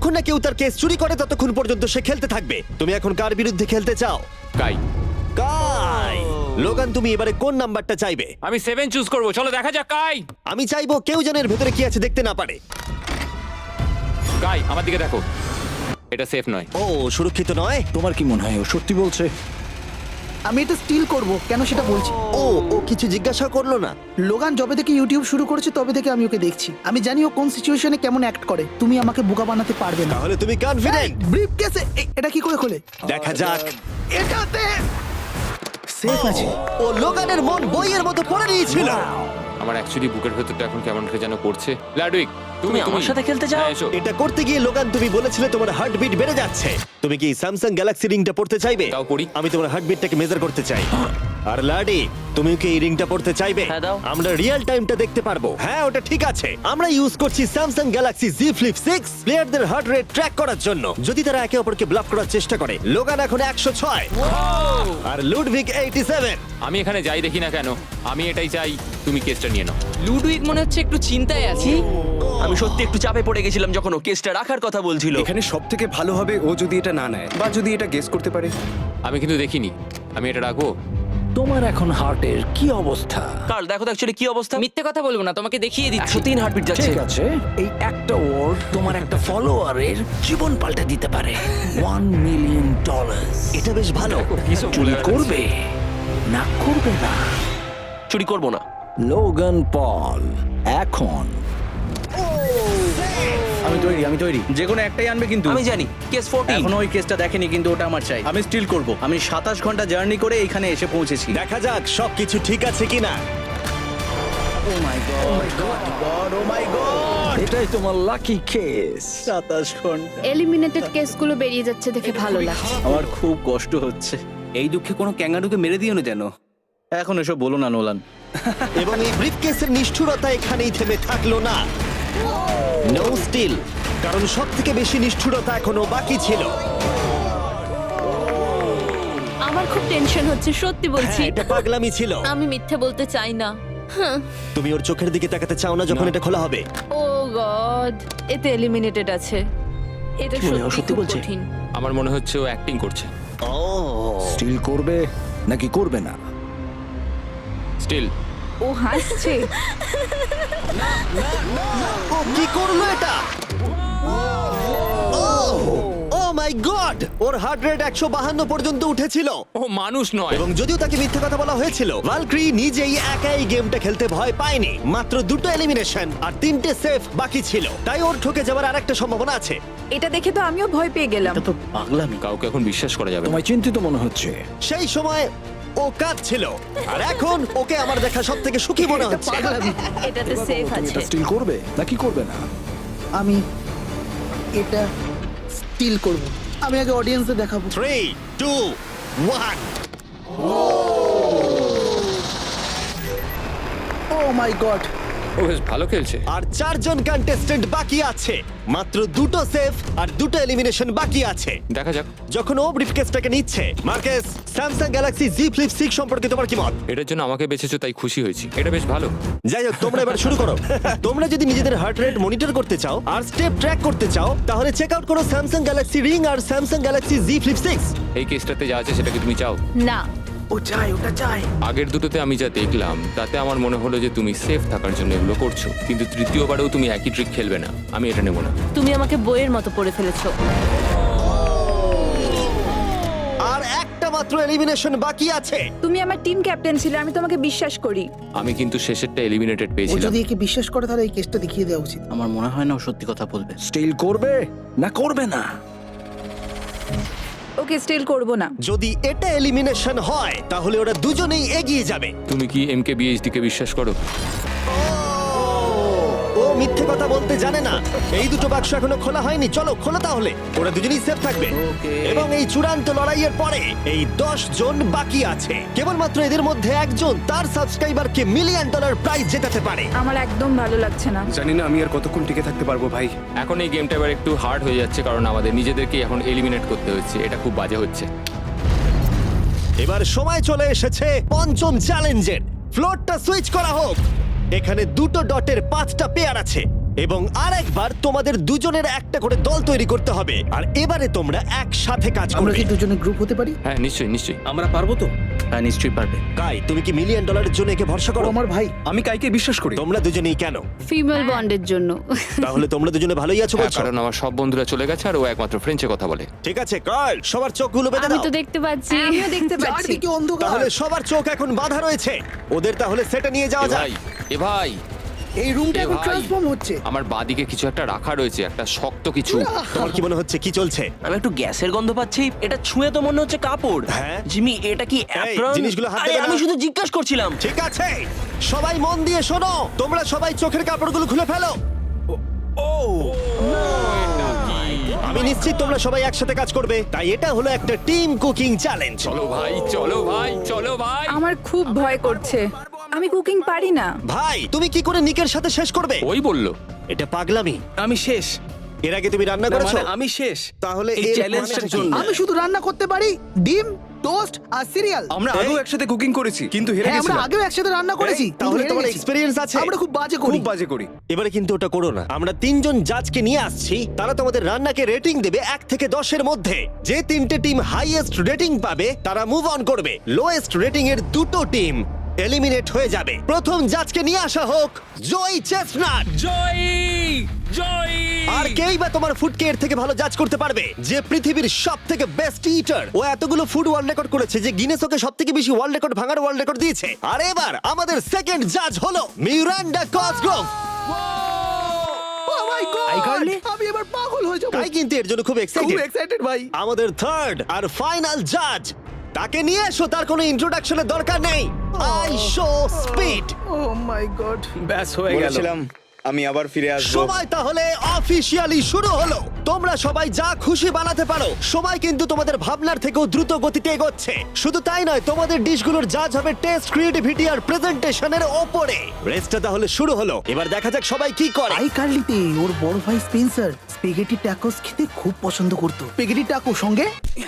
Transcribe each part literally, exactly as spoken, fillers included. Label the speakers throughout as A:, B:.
A: যতক্ষণ না কেউ তার কেস চুরি করে ততক্ষণ পর্যন্ত সে খেলতে থাকবে। তুমি এখন কার বিরুদ্ধে খেলতে চাও?
B: কাই,
A: কাই। লোগান, তুমি এবারে কোন নাম্বারটা চাইবে?
B: আমি সেভেন চুজ করব। চলো দেখা যাক। কাই,
A: আমি চাইবো কেউ যেন এর ভেতরে কি আছে দেখতে না পারে।
B: কাই আমার দিকে দেখো, এটা সেফ নয়।
A: ও, সুরক্ষিত নয়।
C: তোমার কি মনে হয় ও সত্যি বলছে?
D: আমি এটা স্টিল করব, কেন সেটা বলছি।
A: ও ও কিছু জিজ্ঞাসা করলো না?
D: লোগান যবে থেকে ইউটিউব শুরু করেছে তবে থেকে আমি ওকে দেখছি। আমি জানি ও কোন সিচুয়েশনে কেমন অ্যাক্ট করে। তুমি আমাকে বোকা বানাতে পারবে না।
A: তাহলে তুমি কনফিডেন্ট?
D: ব্রিফ কেসে এটা কি করে খোলে?
A: দেখা যাক।
D: এটাতে সেফ আছে।
A: ও লোগানের মন বইয়ের মতো পড়ে নিয়েছিল।
B: আমার অ্যাকচুয়ালি বুকের ভেতরটা এখন কেমন করে যেন করছে। লাডুইক,
E: তুমি আমার সাথে খেলতে চাও?
B: হ্যাঁ, এসো।
A: এটা করতে গিয়ে লোগান তুমি বলেছিলে তোমার হার্টবিট বেড়ে যাচ্ছে। তুমি কি স্যামসাং গ্যালাক্সি রিংটা পড়তে চাইবে?
B: দাও পড়ি।
A: আমি তোমার হার্টবিটটাকে মেজার করতে চাই। আর লাডি, তুমি কি এই রিংটা পড়তে চাইবে?
E: হ্যাঁ, দাও।
A: আমরা রিয়েল টাইমটা দেখতে পারবো। হ্যাঁ, ওটা ঠিক আছে। আমরা ইউজ করছি Samsung Galaxy Z Flip six প্লেয়ারদের হার্ট রেট ট্র্যাক করার জন্য, যদি তারা একে অপরকে ব্লক করার চেষ্টা করে। লোগান এখন একশো ছয় আর লুডভিক এইটি সেভেন।
B: আমি এখানে যাই দেখি না কেন, আমি এটাই চাই। তুমি কেসটা নিয়ে নাও।
F: লুডুইক মনে হচ্ছে একটু চিন্তায় আছে।
E: আমি সত্যি একটু চাপে পড়ে গেছিলাম যখন ও কেসটা রাখার কথা বলছিল।
C: এখানে সব থেকে ভালো হবে ও যদি এটা না নেয় বা যদি এটা গেস করতে পারে।
B: আমি কিন্তু দেখিনি। আমি এটা রাখবো।
C: তোমার এখন হার্টের কি অবস্থা?
E: কার্ল দেখো তো অ্যাকচুয়ালি কি অবস্থা।
F: মিথ্যে কথা বলবো না, তোমাকে দেখিয়ে দিচ্ছি।
E: একশো তিন হার্টবিট যাচ্ছে।
C: ঠিক আছে, এই একটা ওয়ার্ড তোমার একটা ফলোয়ারের জীবন পাল্টে দিতে পারে। One million dollar.
A: এটা বেশ ভালো।
B: কিসব
C: চুরি
B: বলে
C: করবে না করবে না?
E: চুরি করবো না।
C: লোগান পল এখন।
G: আমি তৈরি আমি তৈরি যে কোনো একটাই আনবে কিন্তু
E: আমি জানি কেস চোদ্দ।
G: এখনো ওই কেসটা দেখেনি কিন্তু ওটা আমার চাই। আমি স্টিল করব। আমি সাতাশ ঘন্টা জার্নি করে এখানে এসে পৌঁছেছি।
A: দেখা যাক সবকিছু ঠিক আছে কিনা।
G: Oh my God oh my God oh my God
C: এটাই তোমার লাকি কেস।
G: সাতাশ ঘন্টা।
H: এলিমিনেটেড কেসগুলো বেরিয়ে যাচ্ছে দেখে ভালো লাগছে।
G: আমার খুব কষ্ট হচ্ছে। এই দুঃখে কোনো ক্যাঙ্গারুকে মেরে দিও না যেন। এখন এসব বলো না নোলান।
A: এবং এই ব্রিফকেসের নিষ্ঠুরতা এখানেই থেমে থাকলো না। নো স্টিল, কারণ সব থেকে বেশি নিষ্ঠুরতা এখনো বাকি ছিল।
H: আমার খুব টেনশন হচ্ছে, সত্যি বলছি।
A: হ্যাঁ, এটা পাগলামি ছিল।
H: আমি মিথ্যে বলতে চাই না।
A: তুমি ওর চোখের দিকে তাকাতে চাও না যখন এটা খোলা হবে?
H: ও গড, এতে এলিমিনেটেড আছে। এটা
E: কি মনে হয়, ও
H: সত্যি
E: সত্যি
H: খুব
E: বলছে?
H: কঠিন।
B: আমার মনে হচ্ছে ও অ্যাক্টিং করছে।
A: ও
C: স্টিল করবে নাকি করবে না?
B: স্টিল।
H: ও হাসছে।
A: ও কি করলো এটা? ও মাই গড, ওর হার্ট রেট একশো বাহান্ন পর্যন্ত উঠেছিল।
B: ও মানুষ নয়।
A: এবং যদিও তাকে মিথ্যে কথা বলা হয়েছিল, ভালক্রি নিজেই একাই গেমটা খেলতে ভয় পায়নি। মাত্র দুটো এলিমিনেশন আর তিনটে সেফ বাকি ছিল, তাই ওর ঠকে যাওয়ার আরেকটা সম্ভাবনা আছে।
H: এটা দেখে তো আমিও ভয় পেয়ে গেলাম।
G: এটা তো পাগলামি।
B: কাউকে এখন বিশ্বাস করা যাবে না।
C: তোমায় চিন্তিত মনে হচ্ছে।
A: সেই সময় ও কাঁদছিল, আর এখন ওকে আমার দেখা সব থেকে সুখী মনে হচ্ছে।
D: পাগলামি।
H: এটাতে সেফ
C: তুমি
H: আছে।
C: এটা স্টিল করবে নাকি করবে না?
D: আমি এটা স্টিল করব। আমি আগে অডিয়েন্সে দেখাবো।
A: Three two one.
D: Oh my God,
B: ও বেশ ভালো খেলছে।
A: আর চারজন কন্টেস্টেন্ট বাকি আছে, মাত্র দুটো সেফ আর দুটো এলিমিনেশন বাকি আছে।
B: দেখা যাক।
A: যখন ও ব্রিফকেসটাকে নিচ্ছে, Marques, Samsung Galaxy Z Flip six সম্পর্কে তোমার কি মত?
B: এটার জন্য আমাকে বেঁচেছো তাই খুশি হয়েছি। এটা বেশ ভালো।
A: যাই হোক, তোমরা এবার শুরু করো। তোমরা যদি নিজেদের হার্ট রেট মনিটর করতে চাও আর স্টেপ ট্র্যাক করতে চাও, তাহলে চেক আউট করো স্যামসাং গ্যালাক্সি রিং আর Samsung Galaxy Z Flip six.
B: এই কেসটাতে যা আছে সেটা কি তুমি চাও?
H: না,
D: ও চাই, ওটা চাই।
B: আগের দুটোতে আমি যা দেখলাম তাতে আমার মনে হলো যে তুমি সেফ থাকার জন্য এগুলো করছো, কিন্তু তৃতীয়বারেও তুমি একই ট্রিক খেলবে না। আমি এটা নেব না।
H: তুমি আমাকে বইয়ের মতো পড়ে ফেলেছো।
A: আর একটা মাত্র এলিমিনেশন বাকি আছে।
H: তুমি আমার টিম ক্যাপ্টেন ছিলে, আমি তোমাকে বিশ্বাস করি।
B: আমি কিন্তু শেষেরটা এলিমিনেটেড
D: ও
B: পেয়েছিলাম।
D: যদি একে বিশ্বাস করে তাহলে এই কেসটা দেখিয়ে দেওয়া উচিত।
G: আমার মনে হয় না ও সত্যি কথা বলবে।
C: স্টিল করবে না করবে না?
H: ওকে স্টিল করব না।
A: যদি এটা এলিমিনেশন হয় তাহলে ওরা দুজনেই এগিয়ে যাবে।
B: তুমি কি এম কে বিএইচডি কে বিশ্বাস করো?
A: ও মিথ্যে কথা বলতে জানে না। এই দুটো বাক্স এখনো খোলা হয়নি, চলো খোলো তাহলে। ওরা দুজনেই সেফ থাকবে। এবং এই চূড়ান্ত লড়াইয়ের পরে এই দশ জন বাকি আছে। কেবলমাত্র এদের মধ্যে একজন তার সাবস্ক্রাইবারকে মিলিয়ন ডলার প্রাইজ জেতাতে পারে।
H: আমার একদম ভালো লাগছে না।
C: জানি না আমি আর কতক্ষণ টিকে থাকতে পারবো ভাই।
B: এখন এই গেমটা এবার একটু হার্ড হয়ে যাচ্ছে কারণ আমাদের নিজেদেরকে এখন এলিমিনেট করতে হচ্ছে। এটা খুব বাজে হচ্ছে।
A: এবার সময় চলে এসেছে পঞ্চম চ্যালেঞ্জের। ফ্লোরটা সুইচ করা হোক। এখানে দুটো ডটের পাঁচটা পেয়ার আছে এবং আরেকবার তোমাদের দুজনের একটা করে দল তৈরি করতে হবে আর এবারে তোমরা একসাথে কাজ
D: আমরা
A: করবে
D: কি দুজনে গ্রুপ হতে পারি?
B: হ্যাঁ নিশ্চয়ই নিশ্চয়ই
G: আমরা পারবো তো? হ্যাঁ নিশ্চয়ই পারবে।
A: কাই, তুমি কি মিলিয়ন ডলারের জন্য একে ভরসা
D: ও
A: করো?
D: আমার ভাই।
G: আমি কাইকে বিশ্বাস করি।
A: তোমরা দুজনেই কেন?
H: ফিমেল বন্ডের জন্য।
A: তাহলে তোমরা দুজনে ভালোই আছো
B: হ্যাঁ,
A: বলছো?
B: কারণ আমার সব বন্ধুরা চলে গেছে আর ও একমাত্র ফ্রেঞ্চে কথা বলে।
A: ঠিক আছে কার্ল, সবার চোখগুলো বেঁধে
H: আমি
A: দাও।
H: তো দেখতে পাচ্ছি, আমিও দেখতে পাচ্ছি।
D: চারদিকে অন্ধকার।
A: তাহলে সবার চোখ এখন বাঁধা রয়েছে। ওদের তাহলে সেটা নিয়ে যাওয়া
B: এ
A: যাক।
B: ভাই এ ভাই
D: এই রুমটা
B: এ
D: এখন
B: ভাই।
D: ট্রান্সফর্ম হচ্ছে।
B: আমার বাদিকে কিছু একটা রাখা রয়েছে, একটা শক্ত কিছু।
A: তোমার কি মনে হচ্ছে কি চলছে?
E: আমি একটু গ্যাসের গন্ধ পাচ্ছি। এটা ছুঁয়ে তো মনে হচ্ছে কাপড়।
A: হ্যাঁ।
E: জিমি, এটা কি অ্যাপ্রন?
A: জিনিসগুলো হাত
E: আরে,
A: দেবে না।
E: আমি শুধু জিজ্ঞাসা করছিলাম।
A: ঠিক আছে, সবাই মন দিয়ে শোনো। তোমরা সবাই চোখের কাপড়গুলো খুলে ফেলো। আমি নিশ্চিত তোমরা সবাই একসাথে কাজ করবে, তাই এটা হলো একটা টিম কুকিং চ্যালেঞ্জ।
B: চলো ভাই চলো ভাই চলো ভাই।
I: আমার খুব ভয় করছে, আমি কুকিং পারি না।
A: ভাই, তুমি কি করে নিকের সাথে শেষ করবে?
B: ওই বললো।
A: এটা পাগলামি।
G: আমি শেষ।
A: এর আগে তুমি রান্না
G: না,
A: করেছো?
G: মানে আমি শেষ।
A: তাহলে
G: এই
A: এর
G: চ্যালেঞ্জটার
A: মানেটা কি?
G: জন্য।
D: আমি শুধু রান্না করতে পারি ডিম, টোস্ট আর সিরিয়াল।
G: আমরা আগেও একসাথে কুকিং করেছি কিন্তু হেরে
D: হ্যাঁ, আমরা
G: গেছিলাম।
D: আগেও একসাথে রান্না করেছি।
A: এই, তাহলে
D: কিন্তু
A: তোমার
D: হেরে গেছি।
A: এক্সপেরিয়েন্স আছে?
D: আমরা খুব বাজে
G: খুব
D: করি।
G: বাজে করি।
A: এবারে কিন্তু ওটা করো না। আমরা তিনজন জাজকে নিয়ে আসছি, তারা তোমাদের রান্নাকে রেটিং দেবে এক থেকে দশের মধ্যে। যে তিনটে টিম হাইয়েস্ট রেটিং পাবে তারা মুভ অন করবে। লোয়েস্ট রেটিং এর দুটো টিম এলিমিনেট হয়ে যাবে। প্রথম জাজকে নিয়ে আসা হোক জয় চেস্টনাট।
B: জয় জয়।
A: আর কেই বা তোমার ফুডকে এর থেকে ভালো জাজ করতে পারবে, যে পৃথিবীর সব থেকে বেস্ট ইটার। ও এতগুলো ফুড ওয়ার্ল্ড রেকর্ড করেছে যে গিনেস ওকে সব থেকে বেশি ওয়ার্ল্ড রেকর্ড ভাঙার ওয়ার্ল্ড রেকর্ড দিয়েছে। আর এবার আমাদের সেকেন্ড জাজ হলো Miranda Cosgrove.
D: Oh my God!
G: iCarly?
D: আমি এবার পাগল হয়ে যাবো।
A: তাই কিন্তু এর জন্য খুব
D: খুব
A: এক্সাইটেড।
D: এক্সাইটেড ভাই।
A: আমাদের থার্ড আর ফাইনাল জাজ, তাকে নিয়ে এসো। তার কোনো ইন্ট্রোডাকশনের দরকার নেই। I Show Speed.
D: Oh my God.
G: ব্যাস হয়ে গেল।
J: বলেছিলাম আমি আবার ফিরে আসবো।
A: সময় তাহলে অফিসিয়ালি শুরু হলো। তোমরা সবাই যা খুশি বানাতে পারো। সময় কিন্তু তোমাদের ভাবনার থেকেও দ্রুত গতিতে এগোচ্ছে। শুধু তাই নয়, তোমাদের ডিশগুলোর জাজ হবে টেস্ট, ক্রিয়েটিভিটি আর প্রেজেন্টেশনের ওপরে। রেসটা তাহলে শুরু হলো। এবার দেখা যাক সবাই কি করে।
D: আই কার্লিতে ওর বড় ভাই স্পেন্সার স্পেগেটি ট্যাকোস খেতে খুব পছন্দ করতো। স্পেগেটি ট্যাকো সঙ্গে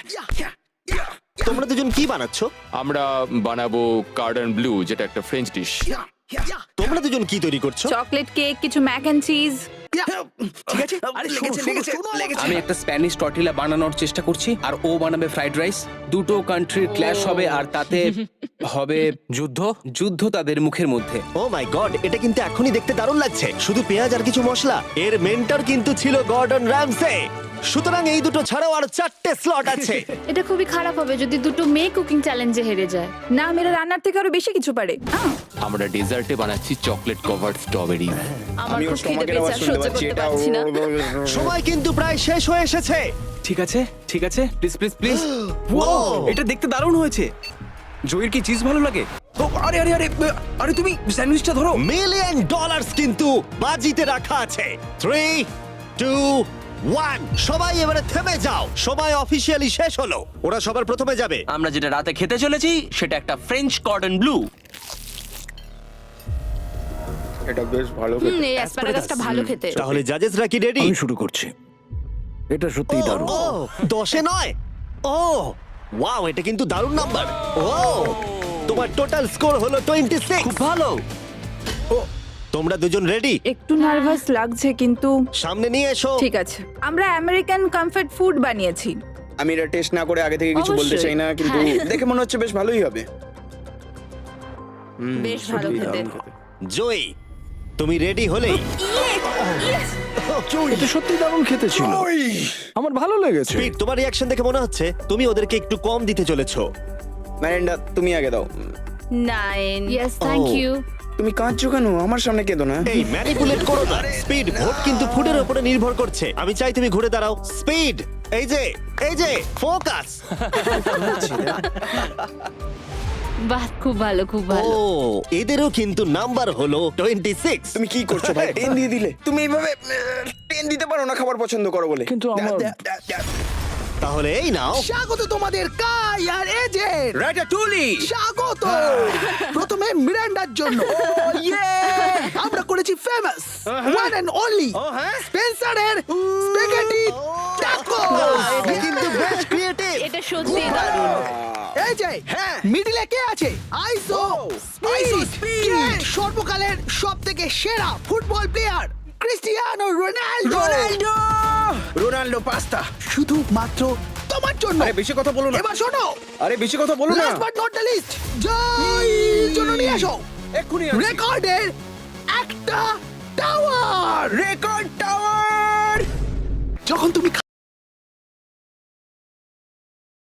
A: তোমরা দুজন কি বানাচ্ছো?
B: আমরা বানাবো কার্ডন ব্লু, যেটা একটা ফ্রেঞ্চ ডিশ।
A: তোমরা দুজন কি তৈরি করছো?
I: চকলেট কেক, কিছু ম্যাক এন্ড চিজ।
G: ঠিক আছে। আরে
D: লেগেছে, লেগেছে, লেগেছে।
G: আমি একটা স্প্যানিশ টর্টিলা বানানোর চেষ্টা করছি আর ও বানাবে ফ্রাইড রাইস। দুটো কান্ট্রির ক্ল্যাশ হবে আর তাতে হবে যুদ্ধ। যুদ্ধ তাদের মুখের মধ্যে।
A: ও মাই গড, এটা কিন্তু এখনই দেখতে দারুণ লাগছে। শুধু পেঁয়াজ আর কিছু মশলা। এর মেন্টর কিন্তু ছিল গর্ডন র্যামসে। সুতরাং এই দুটো ছাড়াও আর চারটে স্লট আছে।
H: এটা খুবই খারাপ হবে যদি দুটো মেয়ে কুকিং চ্যালেঞ্জে হেরে যায়।
I: না, মেয়েরা রান্নার থেকে আরো বেশি কিছু পারে। আহ,
B: আমরা ডেজার্টে বানাচ্ছি চকলেট কভার্ড স্ট্রবেরি।
H: আমার
J: আমি ওর
H: খুব খিদে
J: স্টমাকের আওয়াজ
H: পেয়েছে,
J: শুনতে
H: সহ্য
J: পাচ্ছি।
H: করতে
J: এটা
H: পারছি না।
A: সময় কিন্তু প্রায় শেষ হয়ে এসেছে।
G: ঠিক আছে ঠিক আছে, প্লিজ প্লিজ প্লিজ। ও, এটা দেখতে দারুণ হয়েছে। জয়ের কি চিজ ভালো লাগে? ও, আরে আরে আরে আরে তুমি স্যান্ডউইচটা ধরো।
A: মিলিয়ন ডলার্স কিন্তু বাজিতে রাখা আছে। থ্রি টু ওয়ান, সবাই এবারে থেমে যাও। সময় অফিসিয়ালি শেষ হলো। ওরা সবার প্রথমে যাবে।
E: আমরা যেটা রাতে খেতে চলেছি সেটা একটা ফ্রেঞ্চ কর্ডন ব্লু।
J: এটা বেশ ভালো
H: হুম,
J: খেতে।
H: এই অ্যাসপারাগাসটা ভালো খেতে।
A: তাহলে জাজেসরা কি রেডি?
C: শুরু করছি। এটা সত্যিই দারুণ।
A: ও, দশে নয়। ও ওয়াও, এটা কিন্তু দারুণ নাম্বার। ও, তোমার টোটাল স্কোর হলো টোয়েন্টি সিক্স।
E: খুব ভালো।
A: তোমরা দুজন রেডি?
I: একটু নার্ভাস লাগছে কিন্তু
A: সামনে নিয়ে এসো।
I: ঠিক আছে। আমরা আমেরিকান কমফর্ট ফুড বানিয়েছি।
J: আমি এটা টেস্ট না করে আগে থেকে কিছু বলতে
H: অবশ্যই।
J: চাই না, কিন্তু
H: হ্যাঁ।
J: দেখে মনে হচ্ছে বেশ ভালোই হবে।
H: বেশ ভালো খেতে।
A: জয়ী, তুমি রেডি হলেই
C: এটা সত্যি দারুণ খেতে ছিল। আমার ভালো লেগেছে।
A: স্পিড, তোমার রিয়াকশন দেখে মনে হচ্ছে তুমি ওদেরকে একটু কম দিতে চলেছো।
J: ম্যারেন্ডা, তুমি আগে দাও।
H: Nine. Yes, thank
A: Oh.
H: You.
J: তুমি কাঁদছো কেন? আমার সামনে কেঁদো না।
A: এই ম্যানিপুলেট করো না। স্পিড, ভোট কিন্তু ফুডের উপরে নির্ভর করছে। আমি চাই তুমি ঘুরে দাঁড়াও। স্পিড, এই যে এই যে ফোকাস।
H: বাহ, খুব ভালো, খুব
A: ও,
H: ভালো।
A: এদেরও কিন্তু নাম্বার হলো টোয়েন্টি সিক্স।
J: তুমি কি করছো ভাই? টেন দিয়ে দিলে। তুমি এইভাবে টেন দিতে পারো না খাবার পছন্দ করো বলে।
C: কিন্তু আমার
A: তাহলে এই নাও।
D: স্বাগত তোমাদের কাই আর এজের।
G: রাটাটুলি।
D: স্বাগত। প্রথমে মিরান্ডার জন্য আমরা করেছি ফেমাস ওয়ান এন্ড অনলি স্পেন্সারের স্পেগেটি ট্যাকো।
A: এটা কিন্তু বেশ ক্রিয়েটিভ।
H: এটা সত্যি দারুণ।
D: এই যে মিডিলে কে আছে? আইসো স্পিড, সর্বকালের সবথেকে সেরা football player Cristiano Ronaldo
J: Ronaldo Ronaldo pasta
D: শুধু মাত্র তোমার জন্য
J: আরে বেশি কথা বলো না
D: এবার শোনো
J: আরে বেশি কথা বলো না
D: last but not the least joy জন্য নিয়ে আসো
J: এক্ষুনি আসছি।
D: রেকর্ডের একটা টাওয়ার
J: রেকর্ড টাওয়ার